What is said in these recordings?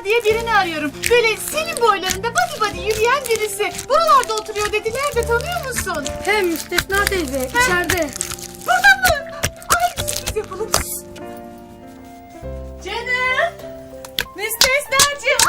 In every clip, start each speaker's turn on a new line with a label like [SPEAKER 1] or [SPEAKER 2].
[SPEAKER 1] diye birini arıyorum. Böyle senin boylarında body body yürüyen birisi. Buralarda oturuyor dediler de tanıyor musun?
[SPEAKER 2] Hem Müstesna teyze içeride.
[SPEAKER 1] Burada mı? Ay sürpriz yapalım. Canım. Müstesnacığım.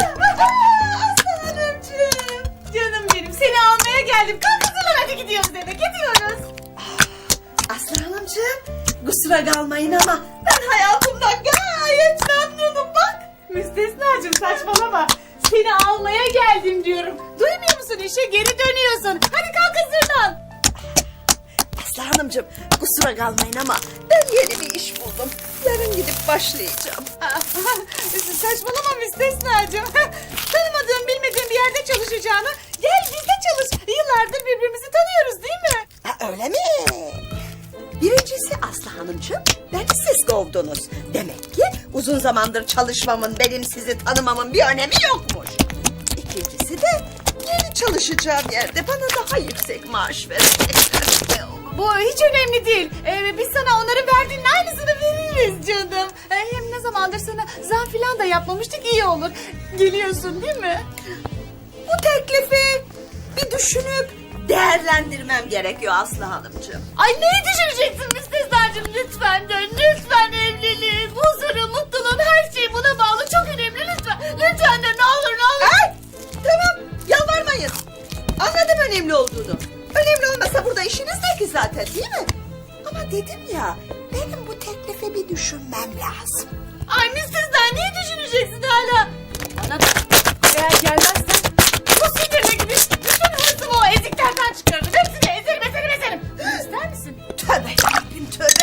[SPEAKER 1] Aslan Hanımcığım. Canım benim seni almaya geldim. Kalk hazırlan hadi gidiyoruz eve gidiyoruz.
[SPEAKER 3] Aslı Hanımcığım, kusura kalmayın ama ben hayatımdan gayet memnunum bak.
[SPEAKER 1] Müstesnacığım saçmalama. Seni almaya geldim diyorum. Duymuyor musun işe geri dönüyorsun. Hadi kalk hazırlan.
[SPEAKER 3] Aslı Hanımcığım, kusura kalmayın ama ben yeni bir iş buldum. Yarın gidip başlayacağım.
[SPEAKER 1] Saçmalama Müstesnacığım. Tanımadığım bilmediğim bir yerde çalışacağını gel bizde çalış. Yıllardır birbirimizi tanıyoruz değil mi?
[SPEAKER 3] Ha, öyle mi? Birincisi Aslı Hanımcığım, beni siz kovdunuz. Demek ki uzun zamandır çalışmamın, benim sizi tanımamın bir önemi yokmuş. İkincisi de yeni çalışacağım yerde bana daha yüksek maaş verecekler.
[SPEAKER 1] Bu hiç önemli değil. Biz sana onların verdiğinin aynısını veririz canım. Hem ne zamandır sana zam filan da yapmamıştık iyi olur. Geliyorsun değil mi?
[SPEAKER 3] Bu teklifi bir düşünüp değerlendirmem gerekiyor Aslı Hanımcığım.
[SPEAKER 1] Ay neyi düşüneceksin Müstesnacığım lütfen dön. Lütfen evliliğin, huzuru, mutluluğun her şeyi buna bağlı. Çok önemli lütfen. Lütfen dön ne olur ne olur.
[SPEAKER 3] Ay, tamam yalvarmayın. Anladım önemli olduğunu. Önemli olmasa burada işiniz ne ki zaten değil mi? Ama dedim ya benim bu teklifi bir düşünmem lazım.
[SPEAKER 1] Ay Müstesna niye düşüneceksin hala? Bana bak eğer gelmezsen bu sinirle gibi bütün hırsımı o eziklerden çıkarırım. Hepsini ezerim. İster misin?
[SPEAKER 3] Tövbe yarabbim tövbe.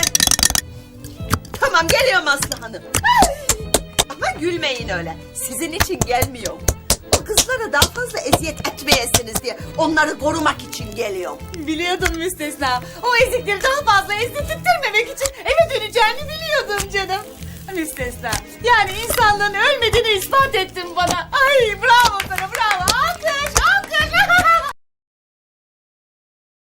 [SPEAKER 3] Tamam geliyorum Aslı Hanım. Ama gülmeyin öyle. Sizin için gelmiyorum. O kızlara daha fazla eziyet etmeyesiniz diye onları korumak için geliyorum.
[SPEAKER 1] Biliyordum Müstesna. O ezikleri daha fazla ezdirttirmemek için eve döneceğini biliyordum canım. Müstesna. Yani insanlığın ölmediğini ispat ettin bana. Ay bravo sana bravo.